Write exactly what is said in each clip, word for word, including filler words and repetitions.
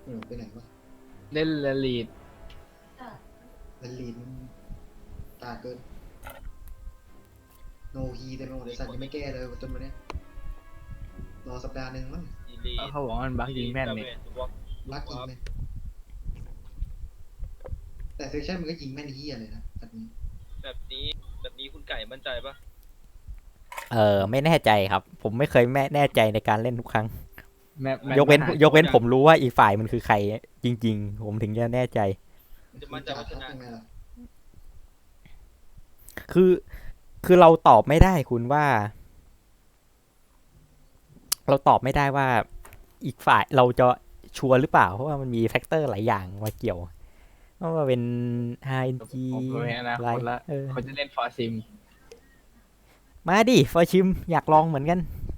เออไปไหนวะเล่นละลีดลันลีนตาเกินโนฮีแต่โนเดสันยังไม่แก้เลยจนวันนี้รอสัปดาห์หนึ่งมั้งอีลีเขาบอกว่ามันบักยิงแม่นเนี่ยรักยิงเลยแต่เซสชั่นมันก็ยิงแม่นเฮียเลยนะแบบนี้แบบนี้แบบนี้คุณไก่มั่นใจปะเออไม่แน่ใจครับ ผมไม่เคยแม่แน่ใจในการเล่นทุกครั้งแม่แม่ยกเว้นมายกเว้นผมรู้ว่าอีกฝ่ายมันคือใคร จริง ๆ ผมถึงจะแน่ใจจะมั่นใจว่าชนะยังไงล่ะคือคือเราตอบไม่ได้คุณว่า เราตอบไม่ได้ว่าอีกฝ่ายเราจะชัวร์หรือเปล่า เพราะว่ามันมีแฟกเตอร์หลายอย่างมาเกี่ยวว่าเป็น อาร์ เอ็น จีผมไม่อนาอะไรคตละเออเขาจะเล่นฟอร์ซิมมาดิฟอร์ชิมอยากลองเหมือนกัน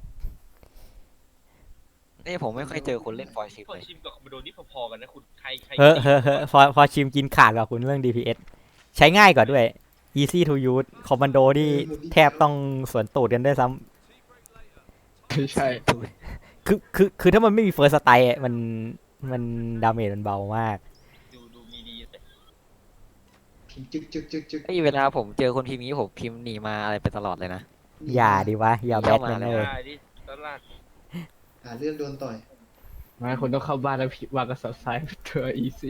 นี่ผมไม่เคยเจอคนเล่นฟอยชิปพอเลยชิมกับคอมโบโดนี่พอๆกันนะคุณใครใครเฮ้อเฮ้อเฮ้อฟอร์ฟอร์ชิมกินขาดกว่าคุณเรื่อง ดี พี เอส ใช้ง่ายกว่าด้วย easy to use คอมมานโดที่แทบต้องสวนตูดกันด้วยซ้ำใช่คือคือคือถ้ามันไม่มีเฟิร์สสไตล์มันมันดาเมจมันเบามากดูดูมีดีแต่พิมพ์จึกจึกจึกจึกไอ้เวลาผมเจอคนพิมพ์นี้ผมพิมพ์หนีมาอะไรไปตลอดเลยนะอย่าดิวะ อย่าแบเข้าทมาแมนแล้เลวยได้ดิตลาดหาเรื่องโดนต่อยไม่คุณต้องเข้าบ้านแล้วพิวางกระสอบทรายเธออีซี่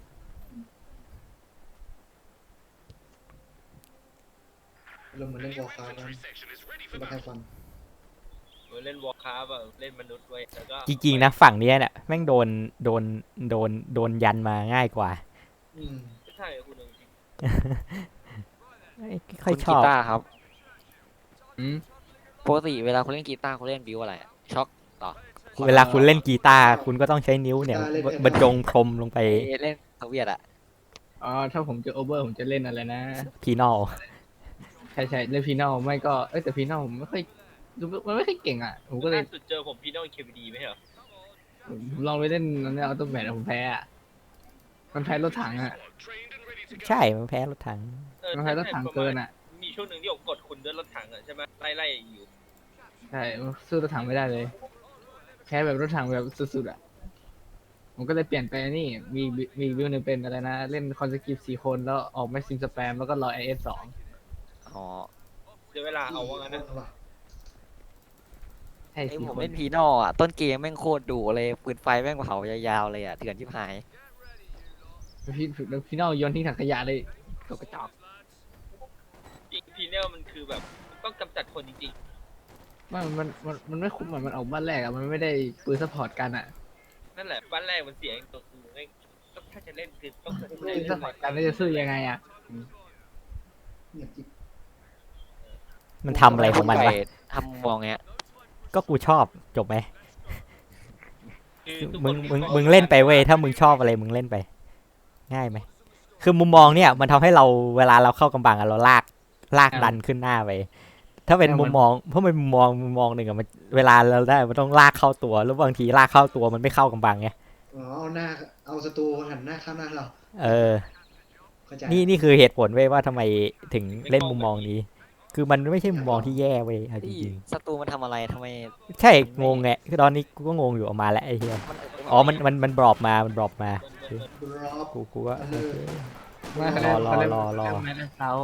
เราเหมือนเล่นวอลคาร์กันมาใครฟันเล่นวอลคราฟอะเล่นมนุษย์ไว้แล้วก็จริงๆนะฝั่งเนี้ยเนี่ยแม่งโดนโดนโดนโดนยันมาง่ายกว่าอืมไม่ใช่คุณจริงไม่ค่อยคุณชกีอบตาร์ครับอืมปกติเวลาคุณเล่นกีตาร์คุณเล่นบิวอะไรอะช็อคต่อเวลาคุณเล่นกีตาร์คุณก็ต้องใช้นิ้วเนี่ยบรรจงพรมลงไปเอ้ยเล่นโซเวียตอะอ๋อถ้าผมเจอโอเวอร์ผมจะเล่นอะไรนะพีนอลใช่ใช่เล่นพีนอลไม่ก็เอ้ยแต่พีนอลผมไม่ค่อยดูมันไม่ค่อยเก่งอ่ะผมก็เลยล่าสุดเจอผมพี่น้องเควีดีไหมเหรอผมลองไปเล่นนั่นเนี่ยออโต้แมทผมแพ้อะมันแพ้รถถังอ่ะใช่ มันแพ้รถถังเออมันแพ้รถถังเกินอ่ะมีช่วงหนึ่งที่ผมกดคุณด้วยรถถังอะใช่ไหมไล่ไล่อยู่ใช่สู้รถถังไม่ได้เลยแพ้แบบรถถังแบบสุดๆอ่ะผมก็เลยเปลี่ยนไปนี่มีมีวิวหนึงเป็นอะไรนะเล่นคอนสกิปสี่คนแล้วออกแม็กซิมสแปมแล้วก็รอไอเอสสองอ๋อเดี๋ยวเวลาเอาว่างั้นนะว่ะใช่ไอ้สี่ผมคนเล่นพีนอลอะต้นเกมแม่งโคตรดุเลยปืนไฟแม่งเผายาวๆเลยอะเถื่อนชิบหายพี่พี่นอลโยนทิ้งถังขยะเลยตกกระจอกจริงพีเนลมันคือแบบต้องกำจัดคนจริงมันมันมันมันไม่คุ้มเหมือนมันออกบ้านแรกอะมันไม่ได้ปืนซัพพอร์ตกันอะๆนั่นแหละบ้านแรกมันเสียงตัวคือไม่ต้องถ้าจะเล่นคือต้องปืนซัพพอร์ตกันแล้วจะสู้ยังไงอะเงียบจิ๊บมันทำอะไรของมันวะทำมองเงี้ยก็กูชอบจบไหมคือทุกคมึงนมึงมึงเล่นไปเว้ยถ้ามึงชอบอะไรมึงเล่นไป ง่ายไหมคือมุมมองเนี่ยมันทำให้เราเวลาเราเข้ากำบังอะเราลากลากดันขึ้นหน้าไปถ้าเป็นมุมมองเพราะมันมุมมองมุมมองหนึ่งอะมันเวลาเราได้มันต้องลากเข้าตัวแล้วบางทีลากเข้าตัวมันไม่เข้ากำบังไงอ๋อเอาหน้าเอาศัตรูหันหน้าข้ามหน้าเราเออเข้าใจนี่นี่คือเหตุผลเว้ยว่าทำไมถึงเล่นมุมมองนี้ คือมันไม่ใช่มุมมองที่แย่เว้ยเอาจที่ริงศัตรูมันทำอะไรทำไมๆใช่งงไงคือตอนนี้กูก็งงอยู่ออกมาแล้วไอ้เหี้ยมันอ๋อมันมันมันบรอบมามันบรอบมาบรอบกูกูก็เออไม่เขาเล่นรอเขาเล่นรอรอเขาเล่นไม่ได้เซาร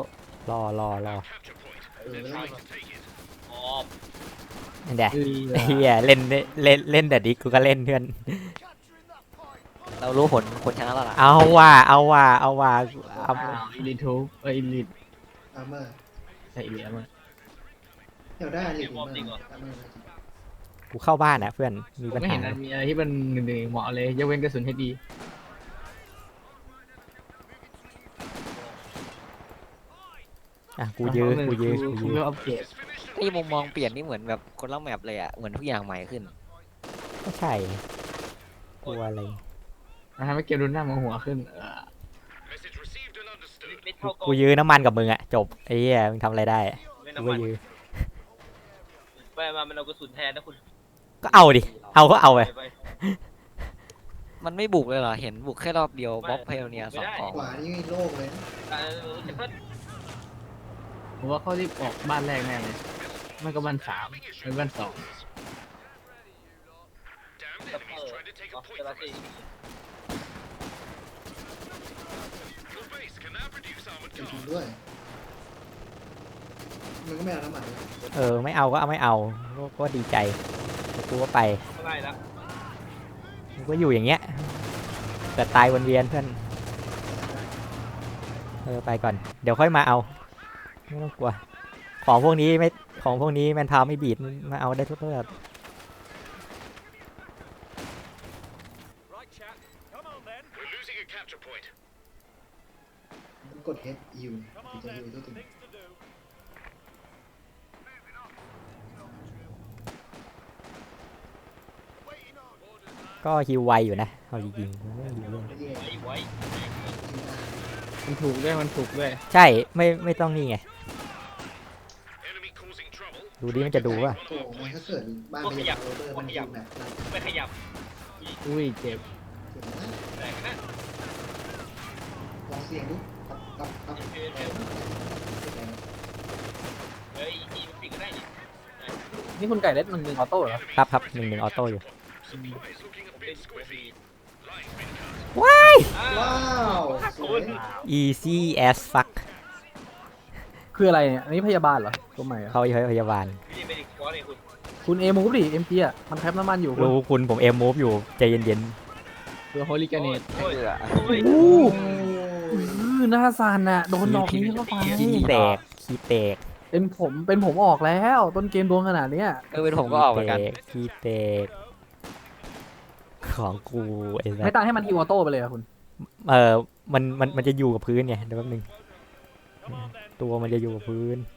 อรอรอเออแล้วอ๋อนั่นแหละคือไอ้เหี้ยเล่นเล่นเล่นแต่ดิกูก็เล่นเพื่อนเรารู้ผลคนชนะแล้วล่ะเอาว่าเอาว่าเอาว่าเอาอีลิทูเอออีลิทอาร์เมอร์ใช่อีลิทมั้งเดี๋ยวได้เลยอาร์เมอร์อาร์เมอร์กูเข้าบ้านอ่ะเพื่อนมีผมปัญไม่หาเห็นมันมีอะไรที่มันหนึ่งๆเหมาะเลยยกเว้นกระสุนให้ดีอ่ะกูยื้อกูยื้อกูคูยื้ออัปเกรดไอ้มุมมองเปลี่ยนนี่เหมือนแบบคนละแมปเลยอะเหมือนทุกอย่างใหม่ขึ้นก็ใช่กลัวอะไรมันทำให้เกมรุนหน้ามังหัวขึ้นเออไม่เท่ากูยื้อน้ำมันกับมึงอ่ะจบไอ้เหี้ยมึงทำอะไรได้ไม่กูน้ำก็มันยื้อไปมามันเอากระสุนแทนนะคุณก็เอาดิเอาก็เอาไปไปมันไม่บุกเลยเหรอเห็นบุกแค่รอบเดียวบล็อกเพลเนียสองของขวานี่โลกเลยนะเออแต่ก็ผมว่าเขารีบออกบ้านแรกแน่เลยไม่ก็บ้านสามไม่บ้านสองซัพเปอร์อ๋อเซราซีจริงๆด้วยมันก็ไม่เอาน้ำมันเลยเออไม่เอาก็เอาไม่เอาก็ก็ดีใจกูก็ไปเท่าไหร่ละกูก็อยู่อย่างเงี้ยเกิดตายวนเวียนเพื่อนเออไปก่อนเดี๋ยวค่อยมาเอาไม่ต้องกลัวของพวกนี้ไม่ของพวกนี้แมนพาวไม่บีดมาเอาได้ทุกเรื่องมันกด H ฮิวถึงจะฮิวตัวถึงก็ฮิวไวอยู่นะเอาจริงๆไม่ฮิวเล่นไม่แย่ไว้ไว้ฮิวได้มันถูกด้วยมันถูกด้วยใช่ไม่ไม่ต้องนี่ไงดูดิมันจะดูว่าโอ้มันถ้าเกิดบ้านไม่อยากโรเบอร์มันฮิวแบบนั้นไม่ขยับอุ้ยเจ็บเห็นไหมแตกนะลองเสี่ยงดูครับครับครับเออเออเฮ้ยอีมันปิดก็ได้นี่นี่คุณไก่เล่นมันหนึ่งออโต้เหรอครับครับหนึ่งหนึ่งออโต้อยู่ผมเป็นสกูบีว้าวสวย easy as fuck คืออะไรเนี่ย อันนี้พยาบาลเหรอ ตัวใหม่เหรอเขาพยาบาลนี่ไม่ได้คอร์สเลยคุณคุณเอมูฟดิเอ็มจีอ่ะ มันแคปน้ำมันอยู่คุณรู้คุณผมเอ็มมูฟอยู่ใจเย็นคือโฮลิกาเนตโอ้ยโอ้ยโอ้อื้อหน้าซานน่ะ โดนดอกนี้เข้าไปๆขี้แตกขี้แตกเป็นผมเป็นผมออกแล้ว ต้นเกมโดนขนาดเนี้ยเออเป็นผมก็ออกเหมือนกันขี้แตกของกูไอ้สัไม่สตั้งให้มันอีวอโต้ไปเลยอะคุณเออมันมันมันจะอยู่กับพื้นไงเดี๋ยวแป๊บนึงตัวมันจะอยู่กับพื้น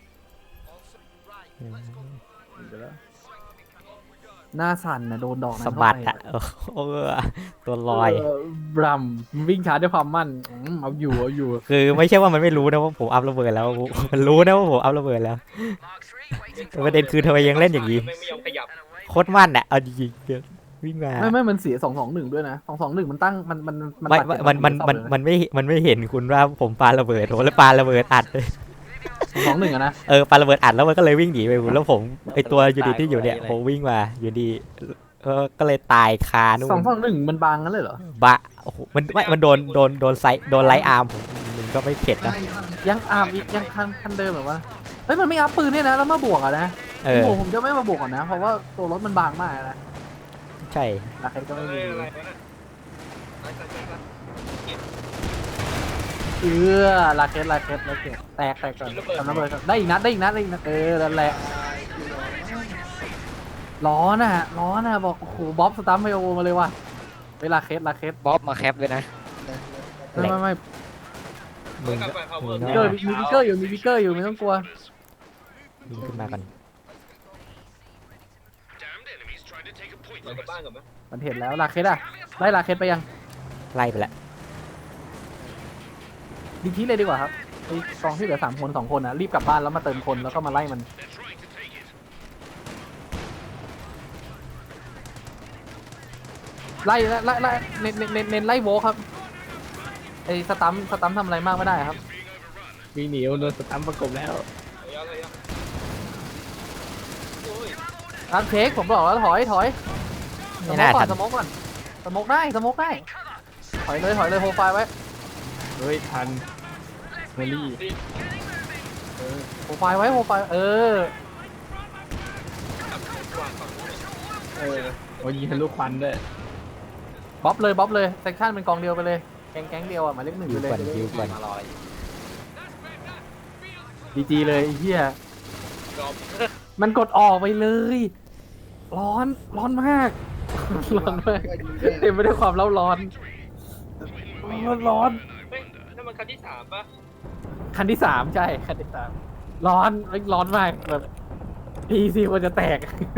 หน้าสั่นน่ะโดนดอกนั้นสะเข้าบัดไปอ่ะเออเออตัวลอยเบรัมวิ่งช้าด้วยความมั่นอืมเอาอยู่เอาอยู่คือไม่ใช่ว่ามันไม่รู้นะว่าผมอัพระเบิดแล้ว มันรู้นะว่าผมอัพระเบิดแล้วแต่ประเด็นคือทำไมยังเล่นอย่างนี้ไม่ไม่ยอมขยับโคตรมั่นอ่ะเอาจริงๆเดี๋ยววิ่งมาไม่ไม่มันเสียสองสองหนึ่งด้วยนะสองสองหนึ่งมันตั้งมันมันไม่ตัดมันมันมันมันไม่มันไม่เห็นคุณว่าผมปาระเบิดโอ้แล้วปาระเบิดอัดเลยสองหนึ่งอะนะเออปาระเบิดอัดแล้วมันก็เลยวิ่งหนีไปคุณแล้วผมไอตัวอยู่ดีที่อยู่เนี่ยผมวิ่งมาอยู่ดีเออก็เลยตายคานู่นสองสองหนึ่งมันบางงั้นเลยเหรอบะโอ้โหมันไม่มันโดนโดนโดนไซโดนไลท์อาร์มผมมันก็ไม่เผ็ดนะได้ครับยังอาบอีกยังคันคันเดิมแบบว่าเฮ้ยมันไม่อัพปืนเนี่ยนะแล้วมาบวกอะนะเออโอ้โหผมจะไม่มาบวกก่อนนะ เพราะว่าตัวรถมันบางมากนะใช่ราคาก็ไม่เอ้มียอะไรวะน่ะไปไปไปไปเออลาเคสลาเคสลาเคสแตกแตกก่อนทำน้ำเลยก่อนได้อีกนัดได้อีกนัดได้อีกนัดเออนั่นแหละร้อนอ่ะร้อนอ่ะบอกโอ้โหบ๊อบสตัมไมโอมาเลยว่ะเวลาเคสลาเคสบ๊อบมาแคปเลยนะไม่ไม่ไม่มึงกลับก็ไป power มีเกอร์มีวิกเกอร์อยู่มีวิกเกอร์อยู่ไม่ต้องกลัวยิงขึ้นมาก่อนเรากลับบ้านก่อนไหมมันเห็นแล้วลาเคสอ่ะไล่ลาเคสไปยังไล่ไปแล้วดีทีเลยดีกว่าครับไอ้กองที่เหลือสามคนสองคนนะรีบกลับบ้านแล้วมาเติมคนแล้วก็มาไล่มันไล่ไล่ไล่เน้นเน้นเน้นเน้นไล่โวลครับไอ้สตัมสตัมทำอะไรมากไม่ได้ครับวิ่งหนีโดนสตัมประกบแล้วเอายาวเลยยาวโอ้ยร้านเค้กผมบอกแล้วถอยถอยสไม่โมน่ากก่อทันนสโมกก่อนสโมกได้สโมกได้ถอยเลยถอยเลยโปรไฟล์ไว้เฮ้ยทันเมลี่โปรไฟล์ไว้โปรไฟล์เออวางฝั่งนู้นเออโอ้ยยิงทะลุควันด้วยบ๊อบเลยบ๊อบเลยเซกชันเป็นกองเดียวไปเลยแก๊งแก๊งเดียวอ่ะหมายเลขหนึ่งยิไปวเลยก่อนยิวก่อนมารอยดีจีเลยไอ้เหี้ยยอมมันกดออกไปเลย ร้อนร้อนมากร้อนมากเต็มไปด้วยความเล่าร้อนร้อนร้อนเฮ้ยนั่นมันคันที่สามป่ะคันที่สามใช่คันที่สามร้อนเอ้ยร้อนมากแบบพีซีควรจะแตก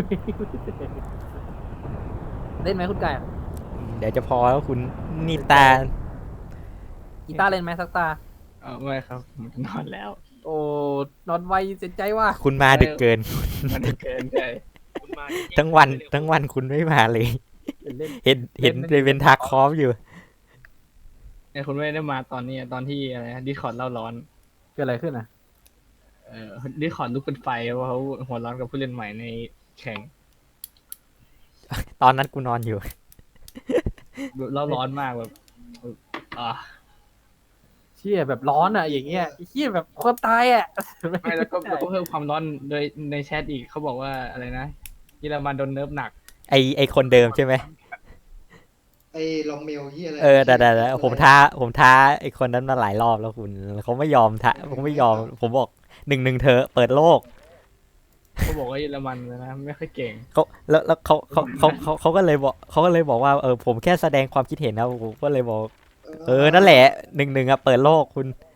เล่นไหมคุณไก่เดี๋ยวจะพอแล้วคุณนี่ตากีตาร์เล่นไหมสักตาเออไม่ครับผมจะนอนแล้วโอ้นอนไวเสียใจว่ะคุณมาดึกเกินมันได้เกินใจคุณมาจริงๆทั้งวันทั้งวันคุณไม่มาเลยเล่นเห็นเห็นในเป็นทาคอฟอยู่เนี่ยคุณไม่ได้มาตอนนี้ตอนที่อะไรดิคอร์ดเล่าร้อนเกิดอะไรขึ้นอ่ะเออดิคอร์ดลุกเป็นไฟเพราะเขาหัวร้อนกับผู้เล่นใหม่ในแข่งตอนนั้นกูนอนอยู่แบบเราร้อนมากแบบอ่าเชี่ยแบบร้อนอ่ะอย่างเงี้ยไอ้เชี่ยแบบคนตายอ่ะไม่แล้วก็แล้วก็เพิ่มความร้อนโดยในแชทอีกเขาบอกว่าอะไรนะเยอรมันโดนเนิร์ฟหนักไอไอคนเดิมใช่ไหมไอ้ลองเมลที่อะไรเออแต่แต่แต่ผมท้าผมท้าไอคนนั้นมาหลายรอบแล้วคุณเขาไม่ยอมท้าเขาไม่ยอม ผมบอกหนึ่งหนึ่งเธอเปิดโลกเขาบอกว่าเยอรมันนะไม่ค่อยเก่งเขาแล้วแล้วเขาเขาเขาเขาเขาก็เลยบอกเขาก็เลยบอกว่าเออผมแค่แสดงความคิดเห็นนะผมก็เลยบอกเออนั่นแหละหนึ่งหนึ่งอะเปิดโลกคุณเ